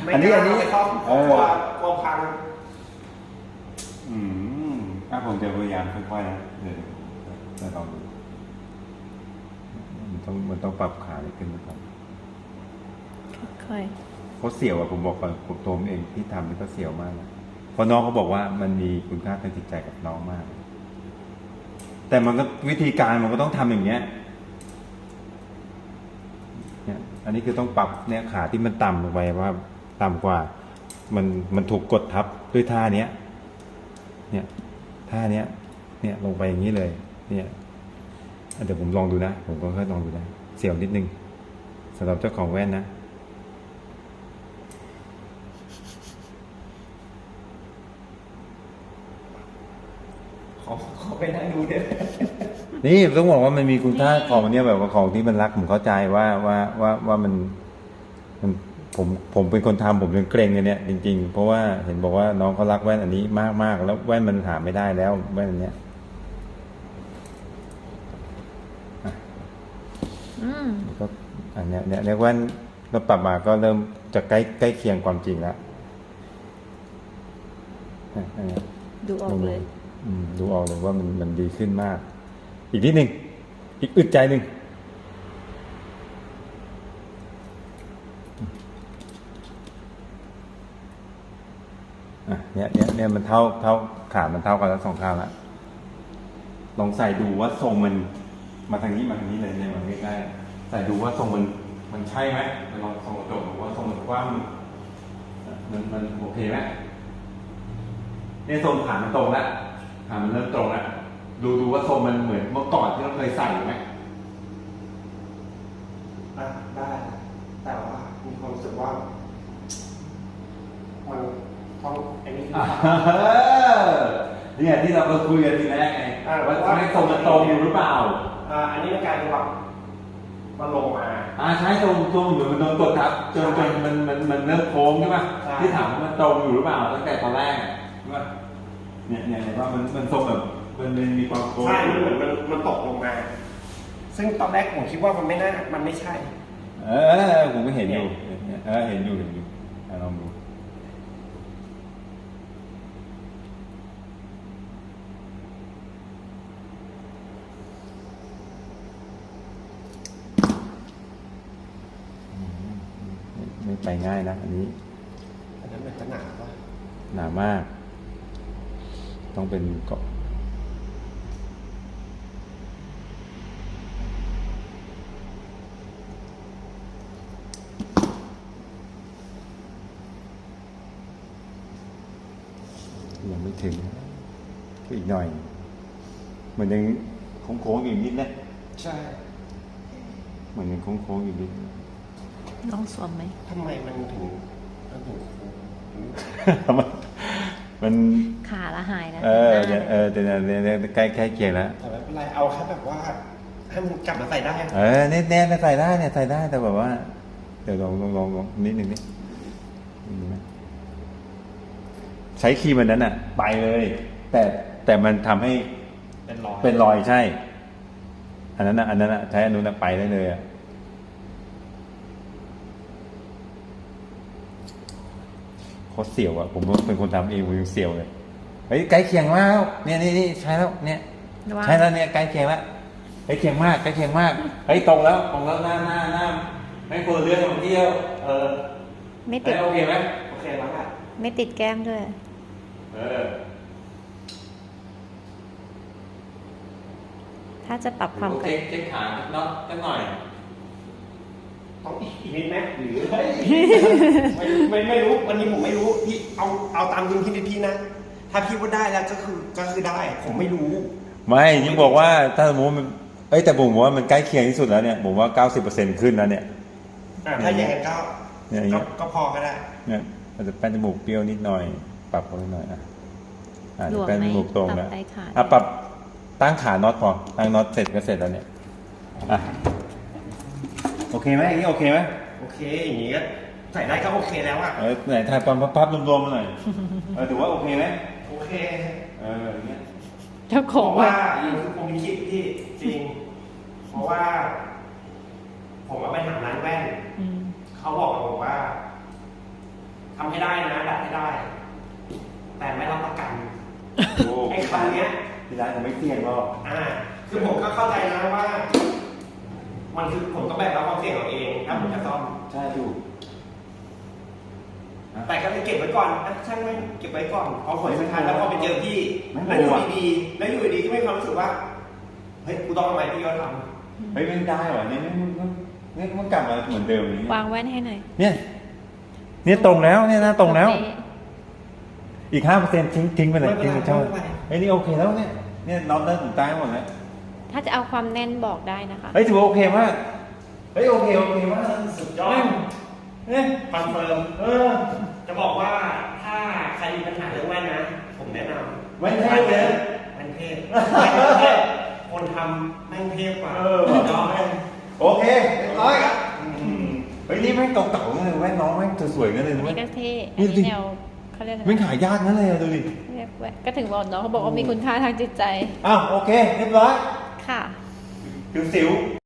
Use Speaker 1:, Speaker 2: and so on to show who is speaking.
Speaker 1: อันนี้
Speaker 2: เขากลัวพัง
Speaker 1: ผมจะพยายามค่อยๆนะเดี๋ยวจะลองดูมันต้องปรับขาให้ขึ้นนะครับ
Speaker 3: ค่อย
Speaker 1: เขาเสียวผมบอกก่อนผมตัวผมเองที่ทำนี่ก็เสียวมากนะเพราะน้องเขาบอกว่ามันมีคุณค่าทางจิตใจกับน้องมาก แต่มันก็วิธีการมันก็ต้องทำอย่างเงี้ยเนี่ยอันนี้คือต้องปรับเนี่ยขาที่มันต่ำลงไปว่าต่ำกว่ามันถูกกดทับด้วยท่าเนี้ยเนี่ยท่าเนี้ยเนี่ยลงไปอย่างนี้เลยเนี่ยเดี๋ยวผมลองดูนะผมก็ค่อยลองดูนะเสียวนิดนึงสำหรับเจ้าของแว่นนะ
Speaker 2: ขอไปนั่งดูด้วย
Speaker 1: นี่ต้องบอกว่ามันมีคุณค่าของเนี่ยแบบว่าของที่มันรักผมเข้าใจว่าผมเป็นคนทำผมยังเกรงเลยเนี่ยจริงๆเพราะว่าเห็นบอกว่าน้องเขารักแว่นอันนี้มากๆแล้วแว่นมันหาไม่ได้แล้วแว่นอันเนี้ยก็อันเนี้ยเนี่ยแว่นเราปรับมาก็เริ่มจะใกล้เคียงความจริงแล้ว
Speaker 3: ดูออกเลย
Speaker 1: ดูออกเลยว่ามันดีขึ้นมากอีกนิดนึงอีกอึดใจหนึ่งเนี่ยมันเท่าขามันเท่ากันแล้วสองข้างแล้วลองใส่ดูว่าทรงมันมาทางนี้เลยเนี่ยมันใกล้ๆใส่ดูว่าทรงมันใช่ไหมลองทรงกระจกดูว่าทรงมันกว้างมันโอเคไหมเนี่ยทรงขามันตรงแล้วขามันเริ่มตรงแล้วดูว่าทรงมันเหมือนเมื่อก่อนที่เราเคยใส่ไหม
Speaker 2: ได้แต่ว่ามีความรู้สึกว่ามันต้องอันนี้
Speaker 1: เนี่ยที่เราคุยกันทีแรกไงว่าทำให้ทรงมันตรงอยู่หรือเปล่า
Speaker 2: อันนี้มันกลายเป็นว่ามันลงมา
Speaker 1: ใช่ตรงอยู่มันโดนกดทับจนมันเริ่มโค้งใช่ไหมที่ถามว่ามันตรงอยู่หรือเปล่าตั้งแต่ตอนแรกว่าเนี่ยว่ามันทรงแบบมันมีความโค้ง
Speaker 2: ใช่เหมือนมันตกลงมาซึ่งตอนแรกผมคิดว่ามันไม่ใช่
Speaker 1: ผมก็เห็นอยู่เห็นอยู่ลองดูไม่ไปง่ายนะอันนี้
Speaker 2: อันนั้นมันจะหนาป่ะ
Speaker 1: หนามากต้องเป็นเกาะยังไม่ถึงก็อีกหน่อยเหมือนยังโค้งๆอยู่นิดนะ
Speaker 2: ใช่
Speaker 1: เหมือนยังโค้งๆอยู่นิด
Speaker 3: น้องสวมไหม
Speaker 2: ทำไมมันถึง
Speaker 1: มัน
Speaker 3: ขาละหายนะ
Speaker 1: แต่ใกล้เคียงแล้ว
Speaker 2: แต่ไม่เป็นไรเอาแค่แบบว่าให้มันกลับมาใส่ได้
Speaker 1: แน่ใส่ได้เนี่ยใส่ได้แต่แบบว่าเดี๋ยวลองนิดนึงนี่ใช้ครีมมันนั้นไปเลยแต่มันทำให้เป็นรอยใช่อันนั้นใช้อันนู้นไปได้เลยเขาเสียวผมเป็นคนทำเองผมยังเสียวเลยเฮ้ยใกล้เคียงมากเนี่ยใช้แล้วเนี่ยใช้แล้วเนี่ยใกล้เคียงแล้วใกล้เคียงมากเฮ้ยตรงแล้วหน้าไม่ควรเลื่อนมาเที่ยว
Speaker 3: ไม่ติด
Speaker 1: โอเคไหม
Speaker 2: โอเคแล้วค่ะ
Speaker 3: ไม่ติดแก้มด้วยถ้าจะปรับความ
Speaker 1: เช็คขาเนาะสักหน่อย
Speaker 2: ต้องอีกนิดไหมหรือไม่รู้วันนี้ผมไม่รู้พี่เอาตามดุลพินิจพี่นะถ้าพี่ว่าได้แล้วก็คือได้ผมไม่รู้
Speaker 1: ไม่ยิ่งบอกว่าถ้าสมมติมันแต่ผมว่ามันใกล้เคียงที่สุดแล้วเนี่ยผมว่า 90% ขึ้นแล้วเนี่ย
Speaker 2: ถ้าอย่างนั้นก็พอก็ได้
Speaker 1: เนี่ยอาจจะแป้นจมูกเปรี้ยวนิดหน่อยปรับเขาหน่อยแป้นจมูกตรงแล้วปรับตั้งขาน็อตพอตั้งน็อตเสร็จก็เสร็จแล้วเนี่ยโอเคไหมอย่างนี้โอเคไหม
Speaker 2: โอเคอย่างนี้ก็ใส่ได้ก็โอเคแล้ว
Speaker 1: ไหนถ่ายความพับรวมๆมาหน่อยถือว่าโอเคไหม
Speaker 2: โอเค
Speaker 1: อย่างเงี้ย
Speaker 3: เจ้าของ
Speaker 2: ว่าผมมีคลิปที่จริงเพราะว่าผมไปถามร้านแว่นเขาบอกว่าให้ได้นะดัดให้ได้ แต่ไม่รับประกัน
Speaker 1: โอ้
Speaker 2: ไอ้คำเนี้ย
Speaker 1: ที่ร้านผมไม่เสี่ยงหรอก
Speaker 2: คือผมก็เข้าใจนะว่า มันคือผมต้องแบกรับความเสี่ยงเอาเองถ้าผมจะซ่อม
Speaker 1: ใช่ถูก
Speaker 2: แต่ก็เลยเก็บไว้ก่อนช่างไม่เก็บไว้ก่อนพอผลสุดท้ายแล้วพอไปเจอพี่แล้วอยู่ดีๆก็มีความรู้สึกว่าเฮ้ยกูต้องทำไมพี่ก็ทำ
Speaker 1: เฮ้ยไม่ได้หรอเนี่ยมันกลับมาเหมือนเดิมอย่างนี้
Speaker 3: วางแว่นให้หน่อย
Speaker 1: เนี่ยตรงแล้วเนี่ยนะตรงแล้ว อีก5%ทิ้งไปเลยทิ้งไปช่องเฮ้ยนี่โอเคแล้วเนี่ยน็อตได้ถึงใต้หมดแล้ว
Speaker 3: ถ้าจะเอาความแน่นบอกได้นะคะ
Speaker 1: เฮ้ยถือว่าโอเคมากเฮ้ยโอเคมาก
Speaker 2: สุดยอด
Speaker 1: เนี่ย
Speaker 2: คอนเฟิร์มจะบอกว่าถ้าใครมีปัญหาเรื่องแว่นนะ ผมแนะนำ
Speaker 1: แว่นเทพเลย
Speaker 2: แว่นเทพคนทำแม่งเทพกว่า
Speaker 1: จอมโอเคเรียบร้อยครับเฮ้ยนี่แม่งเก่าๆนั่นเลยแว่นน้องแม่งสวยๆนั่นเลย
Speaker 3: อัน
Speaker 1: นะ
Speaker 3: นี้
Speaker 1: เว้ย
Speaker 3: ก็เท่
Speaker 1: นี่
Speaker 3: อัน
Speaker 1: ดิ
Speaker 3: นี้แนวเขาเรียกอะไร
Speaker 1: แม่งหายากนั่นเลยอะดูดิ
Speaker 3: เรียกแว่นก็ถึงบอกน้องเขาบอกว่ามีคุณค่าทางจิตใจ
Speaker 1: อ้าวโอเคเรียบร้อย
Speaker 3: ค่ะ
Speaker 1: สิว